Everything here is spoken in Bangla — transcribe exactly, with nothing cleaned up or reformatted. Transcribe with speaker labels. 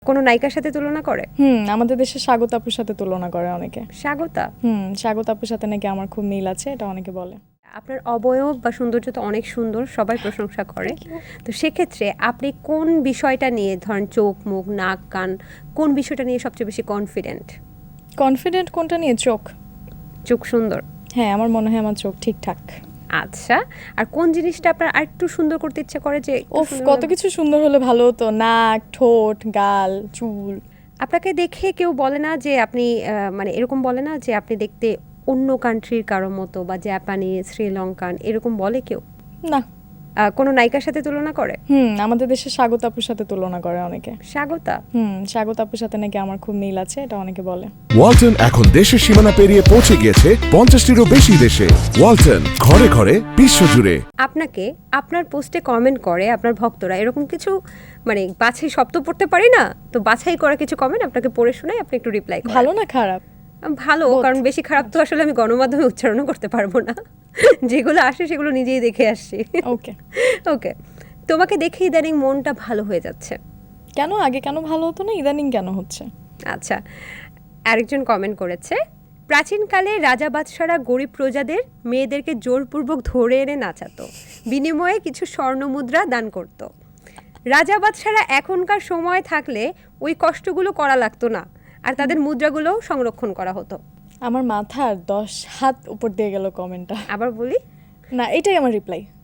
Speaker 1: কোনো নায়িকার সাথে তুলনা করে?
Speaker 2: হুম আমাদের দেশে স্বাগত আপুর সাথে তুলনা করে অনেকে।
Speaker 1: স্বাগতা?
Speaker 2: হুম স্বাগত আপুর সাথে নাকি আমার খুব মিল আছে, এটা অনেকে বলে।
Speaker 1: আপনার অবয়ব বা সৌন্দর্য তো অনেক সুন্দর, সবাই প্রশংসা করে। তো সেক্ষেত্রে আপনি কোন বিষয়টা নিয়ে, ধরেন চোখ, মুখ, নাক, কান, কোন বিষয়টা নিয়ে সবচেয়ে বেশি কনফিডেন্ট?
Speaker 2: কনফিডেন্ট কোনটা নিয়ে? চোখ।
Speaker 1: চোখ সুন্দর?
Speaker 2: হ্যাঁ আমার মনে হয় আমার চোখ ঠিকঠাক।
Speaker 1: আচ্ছা, আর কোন জিনিসটা আপনার আরেকটু সুন্দর করতে ইচ্ছা করে? যে
Speaker 2: ওফ কত কিছু সুন্দর হলে ভালো হতো, নাক, ঠোঁট, গাল, চুল।
Speaker 1: আপনাকে দেখে কেউ বলে না যে আপনি আহ, মানে এরকম বলে না যে আপনি দেখতে অন্য কান্ট্রির কারো মতো, বা জাপানিজ, শ্রীলঙ্কান, এরকম বলে কেউ?
Speaker 2: না।
Speaker 1: আহ, কোনো নায়িকার সাথে তুলনা করে?
Speaker 2: হুম আমাদের দেশে স্বাগত আপুর সাথে তুলনা করে অনেকে।
Speaker 1: স্বাগতা?
Speaker 2: হুম স্বাগত আপুর সাথে নাকি আমার খুব মিল আছে, এটা অনেকে বলে।
Speaker 3: ওয়ালটন এখন দেশের সীমানা পেরিয়ে পৌঁছে গিয়েছে পঞ্চাশটিরও বেশি দেশে। ওয়ালটন, ঘরে ঘরে বিশ্বজুড়ে।
Speaker 1: আপনাকে আপনার পোস্টে কমেন্ট করে আপনার ভক্তরা, এরকম কিছু, মানে বাছাই সব তো পড়তে পারি না, তো বাছাই করা কিছু কমেন্ট আপনাকে পড়ে শোনাই, আপনি একটু রিপ্লাই করেন।
Speaker 2: ভালো না খারাপ?
Speaker 1: ভালো,
Speaker 2: Both.
Speaker 1: কারণ বেশি খারাপ তো আসলে আমি গণমাধ্যমে উচ্চারণও করতে পারবো না। যেগুলো আসে সেগুলো নিজেই দেখে আসছি।
Speaker 2: ওকে।
Speaker 1: ওকে, তোমাকে দেখে ইদানিং মনটা ভালো হয়ে যাচ্ছে।
Speaker 2: কেন? আগে কেন ভালো হতো না, ইদানিং কেন হচ্ছে?
Speaker 1: আচ্ছা, আরেকজন কমেন্ট করেছে, প্রাচীনকালে রাজা বাদশারা গরিব প্রজাদের মেয়েদেরকে জোরপূর্বক ধরে এনে নাচাতো, বিনিময়ে কিছু স্বর্ণমুদ্রা দান করত। রাজা বাদশারা এখনকার সময় থাকলে ওই কষ্টগুলো করা লাগতো না, আর তাদের মুদ্রাগুলোও সংরক্ষণ করা হতো।
Speaker 2: আমার মাথার দশ হাত উপর দিয়ে গেল কমেন্টটা।
Speaker 1: আবার বলি,
Speaker 2: না এটাই আমার রিপ্লাই।